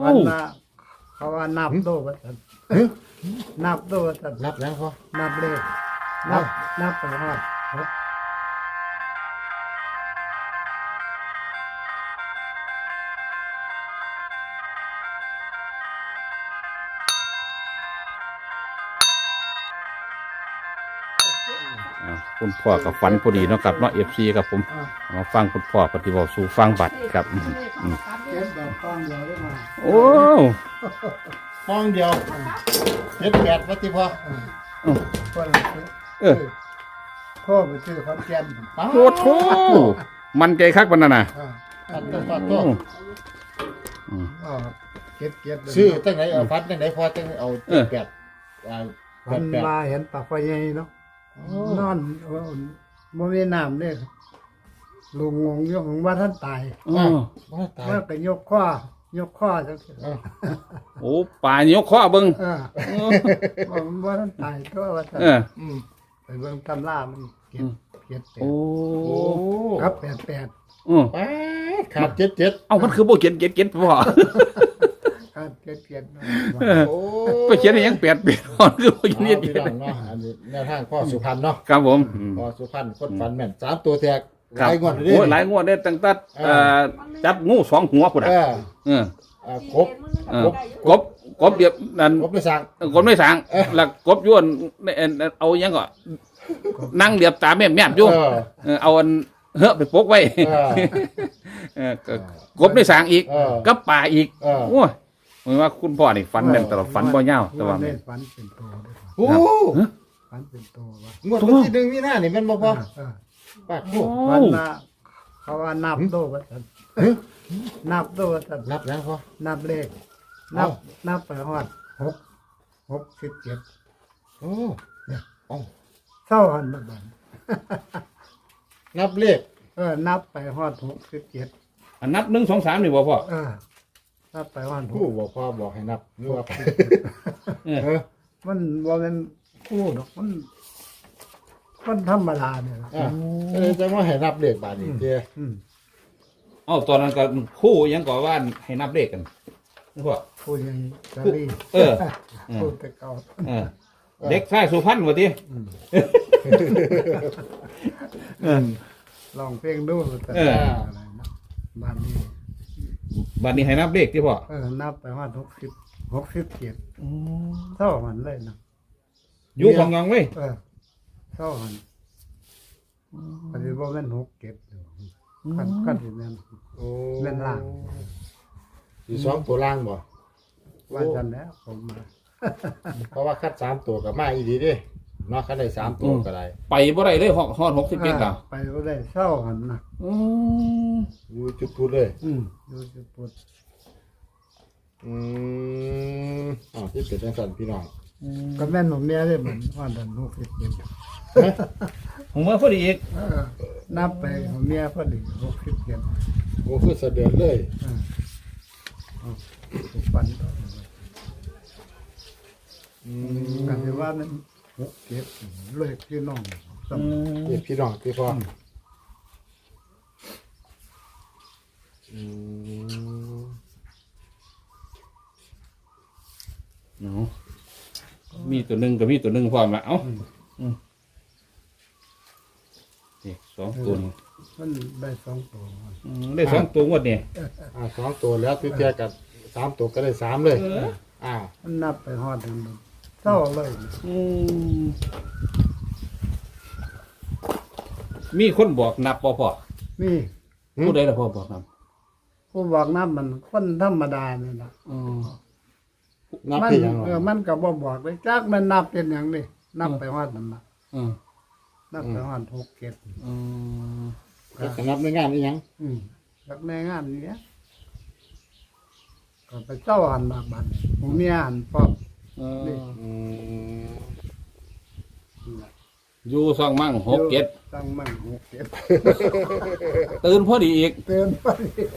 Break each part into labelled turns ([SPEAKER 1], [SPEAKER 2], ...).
[SPEAKER 1] วันละเขาว่านับโตว่าซั่นนับโตว่าซั่น
[SPEAKER 2] นับแล้วพ่อ
[SPEAKER 1] นับเลขนับไปฮอดครบ
[SPEAKER 3] คุณพ่อกับฝันพอดีเนาะครับเนาะFCครับผมมาฟังคุณพ่อปฏิบัติสู่ฟังบัตรครับ
[SPEAKER 1] เก็บแบบฟองเดียวได้มา
[SPEAKER 3] โอ้
[SPEAKER 2] ห้องเดียว78วัติพ่อ
[SPEAKER 1] ก็เลยพ่อไปซื้อคอนแกน
[SPEAKER 3] โหโถมันใจคักปานนั้นน่ะ
[SPEAKER 2] ตัดตัว
[SPEAKER 1] เก็บ
[SPEAKER 2] ซื้อตั้งไหนเอาฟัดตั้งไหนพ่อตั้งเอา78
[SPEAKER 1] มันมาเห็นปากไฟใหญ่เนาะนอนบ่มีน้ำเลยลุงงงยกของว่าท่านตาย
[SPEAKER 2] บ่ตาย
[SPEAKER 1] ว่าก็ยกข้อจังซี่
[SPEAKER 3] โอ้ป่ายกข้อเบิ่ง
[SPEAKER 1] ว่าท่านตายก็ว่าท่าน ไปเบิ่งตำรามันเก็บ
[SPEAKER 3] โอ้
[SPEAKER 1] ครับ88
[SPEAKER 2] ขาด77
[SPEAKER 3] เอ้ามันคือบ่เขียนเก็ดพ่อ
[SPEAKER 1] ครับเก็บ
[SPEAKER 2] โอ้
[SPEAKER 3] ไปเขียนให้ยัง8ปีก่อนคือบ่เขียน
[SPEAKER 2] พี่น้องเนาะอันนี้แนวทางพ่อสุพรรณเนาะ
[SPEAKER 3] ครับผม
[SPEAKER 2] พ่อสุพรรณคนฝันแม่น3ตัวแตกห
[SPEAKER 3] ครับ
[SPEAKER 2] ลายงวดเลย
[SPEAKER 3] โอ้หลายงวดได้ตั้งแต่จับงู2หัวพุ่นน่ะ
[SPEAKER 2] ครบ
[SPEAKER 3] กบเดียบนั่น
[SPEAKER 2] ครบเลยสั่ง
[SPEAKER 3] กบไม่สางแล้วกบย้วนเอายังก็นั่งเดียบตาแม่มอยู่เอาอันเฮอะไปปกไว้กบได้สางอีกกับป่าอีกโอ้ยหมายว่าคุณพ่อนี่ฝันแม่นตลอดฝันบ่ยาวแต่ว่า
[SPEAKER 1] ได้
[SPEAKER 3] แม่น
[SPEAKER 1] ฝันเป็นโตด้วย
[SPEAKER 2] โอ้
[SPEAKER 1] ฝันเป็นโตว่าง
[SPEAKER 2] วดวันที่1มีนานี่แม่นบ่พ่อปากโอ้
[SPEAKER 1] วันละเขาว่านับโตว่าซั่นนับโตว่าซั่น
[SPEAKER 2] นับแล้วพ่อ
[SPEAKER 1] นับเลขนับไปฮอด67
[SPEAKER 2] โอ้เนี่ยเอ้า
[SPEAKER 1] เท่าหันบัดนั้น
[SPEAKER 2] นับเลข
[SPEAKER 1] นับไปฮอด67
[SPEAKER 3] อันนับ1 2 3นี่บ่พ่อ
[SPEAKER 1] นับไปฮอด
[SPEAKER 2] ผู้บอกพ่อบอกให้นับนึกว่า
[SPEAKER 1] มันบ่แม่นคู่ดอกมันธรรมดาเนี่ยนะ
[SPEAKER 2] จะมาให้นับเลขบาดนี้เจ้
[SPEAKER 3] เอ้าตอนนั้นก็คู่ยังก็ว่าให้นับเลขกันพ่อ
[SPEAKER 1] พูดยังสาลี พูดแต่เก่า
[SPEAKER 3] เด็กชายสุพรรณว่าติ
[SPEAKER 1] ลองเพลงดูแต่อะไรนะบ้านนี้
[SPEAKER 3] บัดนี้ให้นับเลขที่พ่อ
[SPEAKER 1] นับไปฮอด67เท่าหันเลยนะ
[SPEAKER 3] อยู่ของงองเว้ย
[SPEAKER 1] เท่าหันอันนี้บ่แม่น67กันสิแม่น
[SPEAKER 2] โอ้
[SPEAKER 1] แม่นล่าง
[SPEAKER 2] อยู่2ตัวล่างบ่
[SPEAKER 1] ว่าจันแล้วผมมา
[SPEAKER 2] เพราะว่าคัด3ตัวกับมาอีดีเด้เนาะคัดได้3ตัวก็ได้
[SPEAKER 3] ไปบ่ได้เลยฮอด67อ่ะ
[SPEAKER 1] ไปบ่ได้เท่าหันนะ
[SPEAKER 2] อยู่จุดพูดเลย
[SPEAKER 1] ดูสิปุด
[SPEAKER 2] อ๋อที่เป็นจังซั่นพี่น้อง
[SPEAKER 1] ก็แม่นของเมียได้เหมือนฮอดอัน67
[SPEAKER 3] ผมว่าพอดีอีก
[SPEAKER 1] นับไปของเมียพอดี67
[SPEAKER 2] โอ้คือเสด็จเลย
[SPEAKER 1] ฝันกันที่ว่ามัน67เลยพี่น้องสม
[SPEAKER 2] เด็กพี่น้องพี่พ่อ
[SPEAKER 3] มีตัวหนึ่งกับมีตัวหนึ่งพร้อมละเอ้านี่2ตัวนี่
[SPEAKER 1] มันได้2ตัว
[SPEAKER 3] ได้2ตัวงวดนี่
[SPEAKER 2] 2ตัวแล้วที่เทียกับ3ตัวก็ได้3เลยอ้าว
[SPEAKER 1] มันนับไปฮอดอันนั้นเท่าเลย
[SPEAKER 3] มีคนบอกนับบ่พ่อ
[SPEAKER 1] นี่
[SPEAKER 3] ผู้ใดล่ะพ่อบอกนับ
[SPEAKER 1] ผู้บอกนับมันคนธรรมดานี่ล่ะ
[SPEAKER 2] นับ
[SPEAKER 1] มัน
[SPEAKER 2] ที่ยัง
[SPEAKER 1] มันก็บ่บอกเลยจักมันนับเป็นหยังนี่นับไปฮอดนั่นน่ะนับไปฮอด67
[SPEAKER 2] ก็นับในงานนี่ยัง
[SPEAKER 1] จักในงานนี้ก็ไปเจ้าหันมาบัดผมมีหันพร้อมนี่
[SPEAKER 3] อยู่ซ่องมั่ง67
[SPEAKER 1] ตั้งมั่ง67
[SPEAKER 3] ตื่นพอดีอีก
[SPEAKER 1] เตือนไป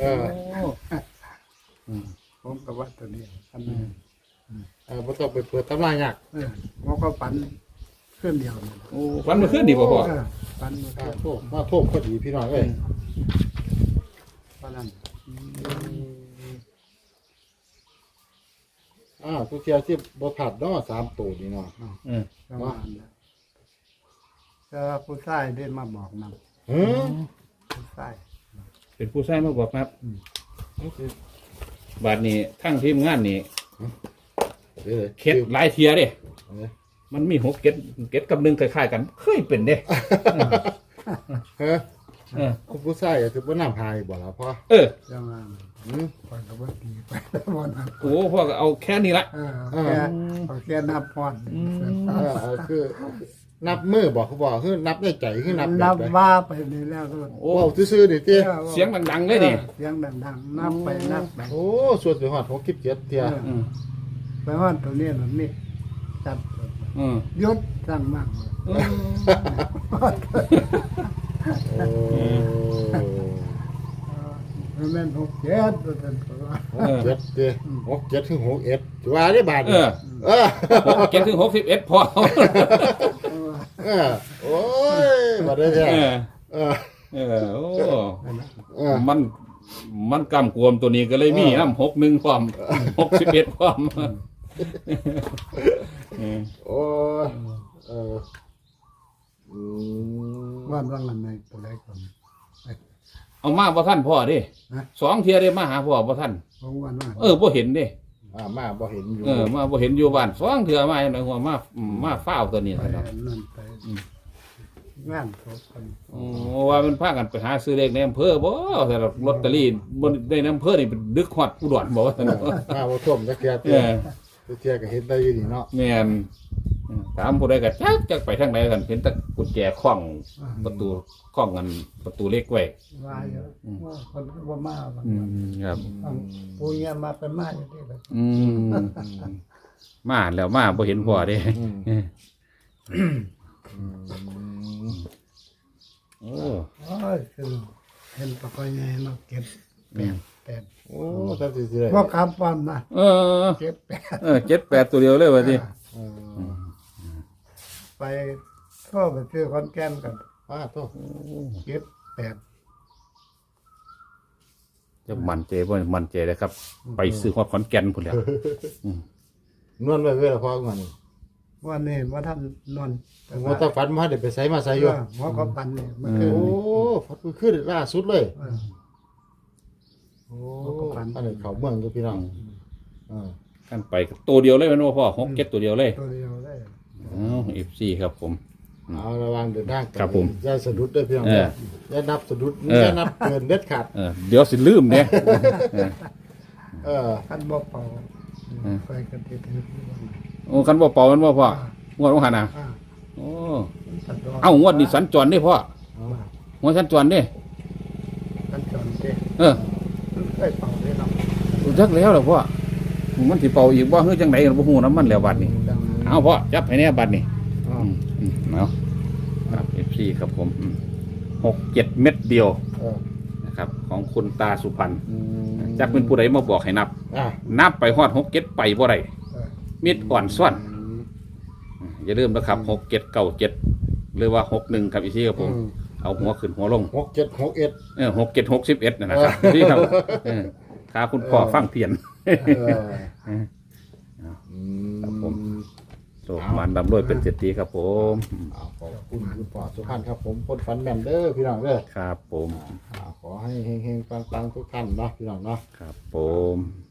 [SPEAKER 2] Ừ.
[SPEAKER 1] ผมก็ว่าตัวนี้อันนี้
[SPEAKER 2] บ่ต้องไปเปิดตำรายาก
[SPEAKER 1] มันก็ปันเครื่องเดียวนี่
[SPEAKER 3] โอ้ฝันเมื่อคืนดีบ่พ่อ
[SPEAKER 1] ปันมา
[SPEAKER 2] มาโทษพอดีพี่น้องเอ้ย
[SPEAKER 1] ปันนั้น
[SPEAKER 2] ทุกเที่ยวที่บ่ผัดเนาะ3ตัวนี่เนาะ
[SPEAKER 3] เออ
[SPEAKER 1] ประมาณนั้นแต่ว่าผู้ชายได้มาบอกนำ
[SPEAKER 2] หือ
[SPEAKER 1] ผู้ชาย
[SPEAKER 3] เป็นผู้ชายมาบอกครับ
[SPEAKER 2] มันสิ
[SPEAKER 3] บาดนี้ทั้งทีมงานนี่
[SPEAKER 2] เด้อ
[SPEAKER 3] เข็ดหลายเทียเด้
[SPEAKER 2] เออ
[SPEAKER 3] มันมี6เก็ดกับ1คล้ายๆกันเคยเป็นเด้
[SPEAKER 2] เฮ้อ
[SPEAKER 3] เออ
[SPEAKER 2] ผู้ชายก็คือบ่น้ำพายบ่ล่ะพ่อ
[SPEAKER 3] เออ
[SPEAKER 1] จังว่า
[SPEAKER 2] หือ
[SPEAKER 1] ปล่อยกับว่าตีไปแล้ววันนั้น
[SPEAKER 3] โอ้พ่อก็เอาแค่นี้ละ
[SPEAKER 1] เอาแค่นับพร
[SPEAKER 2] คือนับมือบอกเขาบอกคือนับในใจคือนับ
[SPEAKER 1] นับ
[SPEAKER 2] แบบ
[SPEAKER 1] ว่าไปนี่แล้วก็
[SPEAKER 3] โอ้
[SPEAKER 2] โอ้ซื่อๆนี่ติ
[SPEAKER 3] เสียงดังๆเลยนี่
[SPEAKER 1] เสียงดังๆนับไปนับไป
[SPEAKER 2] โอ้ส่วนไปฮอด67เที่ย
[SPEAKER 3] อืม
[SPEAKER 1] ไปว่าตัวนี้มันนี่จับ
[SPEAKER 3] อืม
[SPEAKER 1] ยศสั่งมากเลย
[SPEAKER 3] อืม
[SPEAKER 2] โอ้
[SPEAKER 1] มันแม่น67ตัวนั้นก็ว่า
[SPEAKER 2] 67ติ67ถึง61ถือว่าได้บาท
[SPEAKER 3] เอ
[SPEAKER 2] นี่
[SPEAKER 3] อ
[SPEAKER 2] เออ
[SPEAKER 3] 6เก็ดถึง61พอ
[SPEAKER 2] เออโอ้ยบ่ได้แท้
[SPEAKER 3] เออ
[SPEAKER 2] เออ
[SPEAKER 3] โอ้
[SPEAKER 2] เออ
[SPEAKER 3] มันกำกวมตัวนี้ก็เลยมีน้ำ61ความ61ความเออ
[SPEAKER 2] โอ้ยเอออืม
[SPEAKER 1] วันว่างอันไหนตัวใดก่อน
[SPEAKER 3] เอามาบ่ท่านพ่อเดิ
[SPEAKER 1] ฮะ
[SPEAKER 3] 2เที่ยได้มาหาพ่อบ่ท่าน
[SPEAKER 1] ของวันว่า
[SPEAKER 3] บ่เห็นเด้
[SPEAKER 2] มาบ่เห็นอยู่
[SPEAKER 3] มาบ่เห็นอยู่บ้าน2เที่ยมาจังได๋หัวมาฟ้าวตัวนี้
[SPEAKER 1] ไป
[SPEAKER 3] ซั่นเนาะ
[SPEAKER 1] นั่นไปงานศพกัน
[SPEAKER 3] โอ้ว่ามันพากันไปหาซื้อเลขในอำเภอบ่แต่ละลอตเตอรี่บ่ได้ในอำเภอนี่เป็นดึกฮอดอุดรบ่ว่าซั่นเนาะ
[SPEAKER 2] มาบ่ท่วมจักเที่ย
[SPEAKER 3] เออ
[SPEAKER 2] เที่ยก็เห็นได้อยู่นี่เนาะ
[SPEAKER 3] แม่นถามผู้ใดก็จักไปทางไหนกันเห็นแต่กุญแจคล้องประตูคล้องกันประตูเล็กไว้
[SPEAKER 1] ว่าเยอะว่าคนก็บ่มาบาง
[SPEAKER 3] ครับ
[SPEAKER 1] ปูเงี้ยมาเป็นมาอยู่ที่แบบ
[SPEAKER 3] มาแล้วมาบ่เห็นพ่อเด้ โอ้
[SPEAKER 1] โอ้ยคือเห็นปะกอยไงเนาะเก็บแปด
[SPEAKER 2] โอ้จังสิได้
[SPEAKER 1] พวกคำปอนนะ
[SPEAKER 3] เออ
[SPEAKER 1] เก็บแปด
[SPEAKER 3] 7-8ตัวเดียวเลยว่าสิ
[SPEAKER 2] เออ
[SPEAKER 1] ไปก็ไปซื้อคอนแกนกัน
[SPEAKER 2] โต
[SPEAKER 1] เก็บแปด
[SPEAKER 3] จะมั่นใจบ่มั่นใจเลยครับ ไปซื้อฮอดขอนแก่นพุ่นแหล้ว
[SPEAKER 2] นวลไว้เวลาพอกันนี่
[SPEAKER 1] วันนี้ว่าท่านนอน
[SPEAKER 2] ว่าถ้าฝันมาได้ไปไสมาไสอยู่
[SPEAKER 1] หัวก็ปันเนี่ยมันคือ
[SPEAKER 2] โอ้ฝันขึ้นล่าสุดเลย
[SPEAKER 1] เออ
[SPEAKER 2] โอ้อันนี้เขาเมืองอยู่พี่น้อง
[SPEAKER 3] กันไปตัวเดียวเลยแม่นบ่พ่อ6-7ตัวเดียวเลย
[SPEAKER 1] ตัวเดียวได้
[SPEAKER 3] FC ครับผม
[SPEAKER 2] เอาระวังเดินทาง
[SPEAKER 3] ครับผม
[SPEAKER 2] อย่าสะดุดด้วยพี่น้อง
[SPEAKER 3] เออ
[SPEAKER 2] อย่านับสะดุด
[SPEAKER 3] เออ
[SPEAKER 2] อย่านับเกินเด็ดขาด
[SPEAKER 3] เดี๋ยวสิลืมเนี่ย
[SPEAKER 1] ขั้นบ่เป่าไปกันที่ถึง
[SPEAKER 3] โอ้คันบ่เป่ามันบ่พ่อ งวดของหันน่ะ โอ้ เอ้างวดนี้สัญจรเด้พ่อ งวดสัญจรเด้
[SPEAKER 1] ขั้นจอนเด้
[SPEAKER 3] เออ
[SPEAKER 1] เคยเป่าได้เนาะ
[SPEAKER 3] จักแล้วล่ะพ่อ มันสิเป่าอีกบ่คือจังไดก็บ่ฮู้นำมันแล้วบัดนี้ เอาพ่อจับให้แน่บัดนี้เอาครับ FC ครับผม6-7 เม็ดเดียว
[SPEAKER 2] เออ
[SPEAKER 3] นะครับ ของคุณตาสุพรรณจักเป็นผู้ใดมาบอกให้นับ
[SPEAKER 2] อ่ะ
[SPEAKER 3] นับไปฮอด6-7ไปบ่ได้มิดอ่อนซ่อน อย่าลืมนะครับ6-7-9-7หรือว่า6-1ครับอีซี่ครับผม เอาหัวขึ้นหัวลง
[SPEAKER 2] 6761
[SPEAKER 3] 6-7-61นะครับที่ครับถ้าคุณพ่อฟังเพียน ครับผม โศกมันดำรวยเป็นเศรษฐีครับผม
[SPEAKER 2] ขอบคุณคุณพ่อสุพรรณครับผมคนฝันแม่นเด้อพี่น้องเด้อ
[SPEAKER 3] ครับผม
[SPEAKER 2] ขอให้เฮงๆปังๆทุกท่านเนาะพี่น้องเนาะ
[SPEAKER 3] ครับผม